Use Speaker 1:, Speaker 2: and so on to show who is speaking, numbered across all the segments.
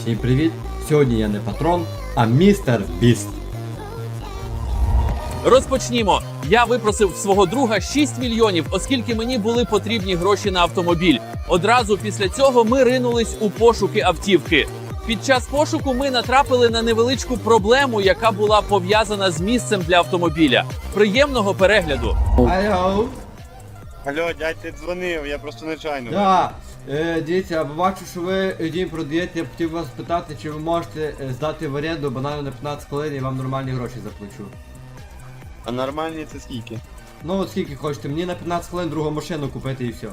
Speaker 1: Всім привіт! Сьогодні я не патрон, а містер Біст.
Speaker 2: Розпочнімо. Я випросив в свого друга 6 мільйонів, оскільки мені були потрібні гроші на автомобіль. Одразу після цього ми ринулись у пошуки автівки. Під час пошуку ми натрапили на невеличку проблему, яка була пов'язана з місцем для автомобіля. Приємного перегляду.
Speaker 1: Алло.
Speaker 3: Алло, дядь, ти дзвонив, я просто нечайно.
Speaker 1: Да. Дивіться, я бачу, що ви дім продаєте, я б хотів вас питати, чи ви можете здати в оренду банально на 15 хвилин і вам нормальні гроші заплачу.
Speaker 3: А нормальні це скільки?
Speaker 1: Ну от скільки хочете, мені на 15 хвилин другу машину купити і все.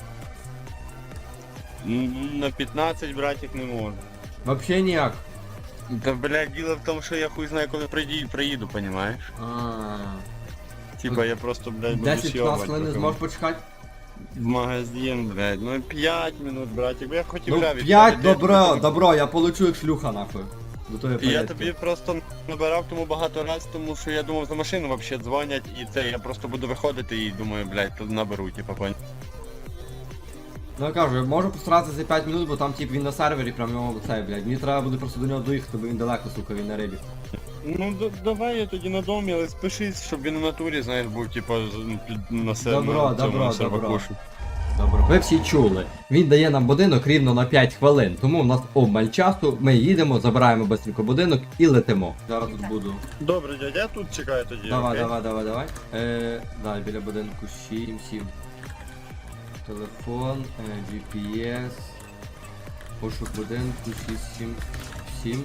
Speaker 3: На 15, братик, не можу.
Speaker 1: Вообще ніяк.
Speaker 3: Та, блядь, діло в тому, що я хуй знаю, коли приїду, понімаєш? Типа я просто, блядь, буду
Speaker 1: 10-15 хвилин не зможеш почекати?
Speaker 3: в магазин, блядь, ну 5 минут, братик, я хотів
Speaker 1: Ну
Speaker 3: гравити.
Speaker 1: 5, добро, я получу як шлюха нахуй. До тої
Speaker 3: І я
Speaker 1: порядки.
Speaker 3: тобі просто набирав тому багато раз, тому що я думав, за машину вообще дзвонять, і це я просто буду виходити і думаю, блядь, тут наберу, типа, понял.
Speaker 1: Ну я кажу, я можу постаратися за 5 минут, бо там тип він на сервері, прям його цей, блядь. Мені треба буде просто до нього доїхати, бо він далеко, сука, він на рибі.
Speaker 3: Ну давай я тоді на домі, але спишись, щоб він у натурі, знаєш, був типа на себе.
Speaker 1: Добро. Ви всі чули. Він дає нам будинок рівно на 5 хвилин, тому у нас обмаль часу, ми їдемо, забираємо быстренько будинок і летимо. Зараз тут буду.
Speaker 3: Добре, дядя, я тут чекаю тоді.
Speaker 1: Давай.
Speaker 3: окей?
Speaker 1: Дай біля будинку 7. Телефон, GPS, пошук будинку 7.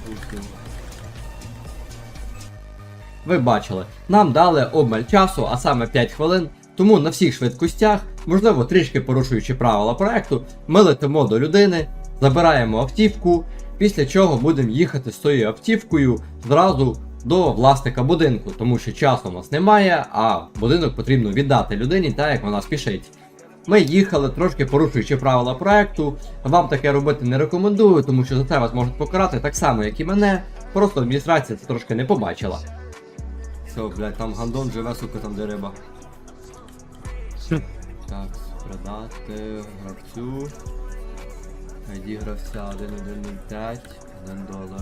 Speaker 1: Ви бачили, нам дали обмаль часу, а саме 5 хвилин, тому на всіх швидкостях, можливо трішки порушуючи правила проекту, ми летимо до людини, забираємо автівку, після чого будемо їхати з тою автівкою зразу до власника будинку, тому що часу у нас немає, а будинок потрібно віддати людині, так як вона спішить. Ми їхали, трошки порушуючи правила проекту, вам таке робити не рекомендую, тому що за це вас можуть покарати так само, як і мене, просто адміністрація це трошки не побачила. Все, блядь, там гандон живе, сука, там де риба. Так, продати гравцю. ID гравця 1105, $1.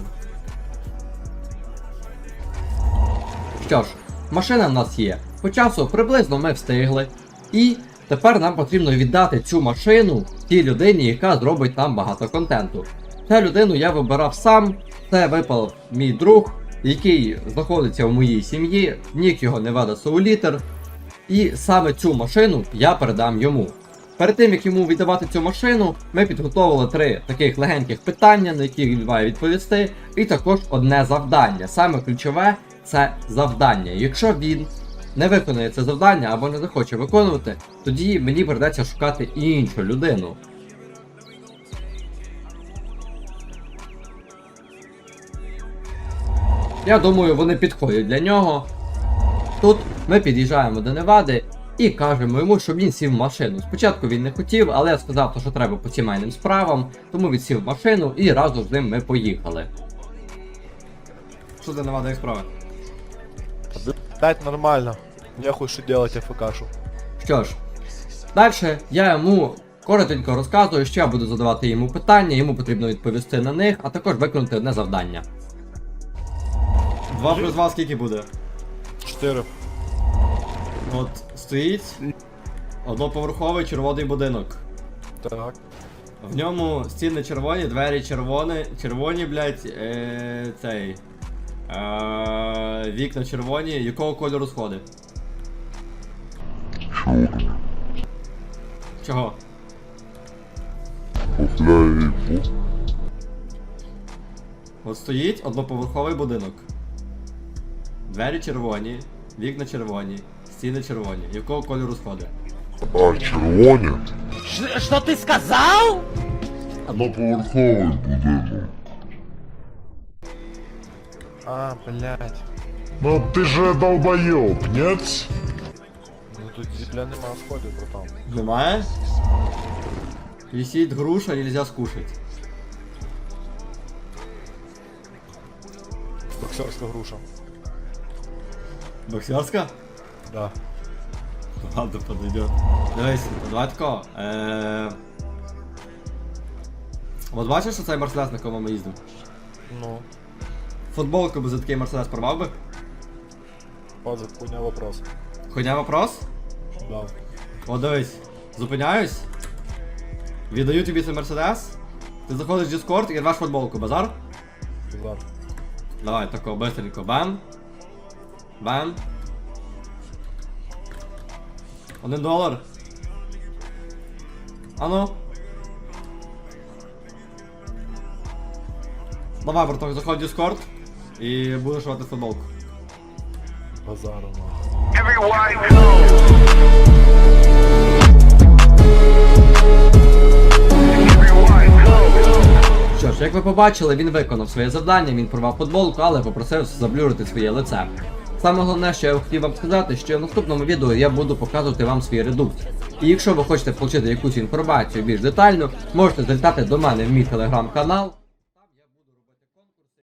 Speaker 1: Що ж, машина в нас є. По часу приблизно ми встигли. І тепер нам потрібно віддати цю машину тій людині, яка зробить нам багато контенту. Цю людину я вибирав сам, це випав мій друг, який знаходиться в моїй сім'ї, нік його Невада Соулітер. І саме цю машину я передам йому. Перед тим, як йому віддавати цю машину, ми підготовили 3 таких легеньких питання, на які він має відповісти, і також одне завдання. Саме ключове – це завдання. Якщо він не виконує це завдання або не захоче виконувати, тоді мені придеться шукати іншу людину. Я думаю, вони підходять для нього. Тут ми під'їжджаємо до Невади і кажемо йому, щоб він сів в машину. Спочатку він не хотів, але я сказав, що треба по сімейним справам, тому він сів в машину і разом з ним ми поїхали. Що за Невада, як справи?
Speaker 4: Блять, нормально. Нехуй что делать АФКшу.
Speaker 1: Що ж, далі я йому коротенько розказую, що я буду задавати йому питання, йому потрібно відповісти на них, а також виконати одне завдання. 2 плюс 2 скільки буде?
Speaker 4: 4.
Speaker 1: От стоїть одноповерховий червоний будинок.
Speaker 4: Так.
Speaker 1: В ньому стіни червоні, двері червоні, блядь, вікна червоні. Якого кольору сходи?
Speaker 5: Чорний.
Speaker 1: Чого?
Speaker 5: Купляю.
Speaker 1: От стоїть одноповерховий будинок. Двері червоні, вікна червоні, стіни червоні. Якого кольору сходи?
Speaker 5: А червоні?
Speaker 2: Що ти сказав?
Speaker 5: Одноповерховий будинок.
Speaker 4: А, блять.
Speaker 5: Ну ты же долбоёб, нет?
Speaker 4: Ну тут земля нема сходів, братан.
Speaker 1: Немає? Висить груша, нельзя скушать.
Speaker 4: Боксерська груша.
Speaker 1: Боксерська?
Speaker 4: Да.
Speaker 1: Ладно, подойдет. Дивись, давай тако. От бачиш, що цей Мерседес, на якому ми їздимо?
Speaker 4: Ну,
Speaker 1: Футболку би за такий Мерседес порвав би?
Speaker 4: пазик, хуйня вопрос.
Speaker 1: Хуйня вопрос?
Speaker 4: Да.
Speaker 1: О, дивись, зупиняюсь. Віддаю тобі цей Мерседес. Ти заходиш в Discord і рвеш футболку, базар?
Speaker 4: Базар.
Speaker 1: Давай, тако, быстренько, бам. Бам. $1. Ану. Давай, браток, заходь в Discord і будеш рвати футболку.
Speaker 4: Базару, нахуй.
Speaker 1: Що ж, як ви побачили, він виконав своє завдання, він порвав футболку, але попросив заблюрити своє лице. Саме головне, що я хотів вам сказати, що в наступному відео я буду показувати вам свій редукт. І якщо ви хочете отримати якусь інформацію більш детально, можете залітати до мене в мій телеграм-канал.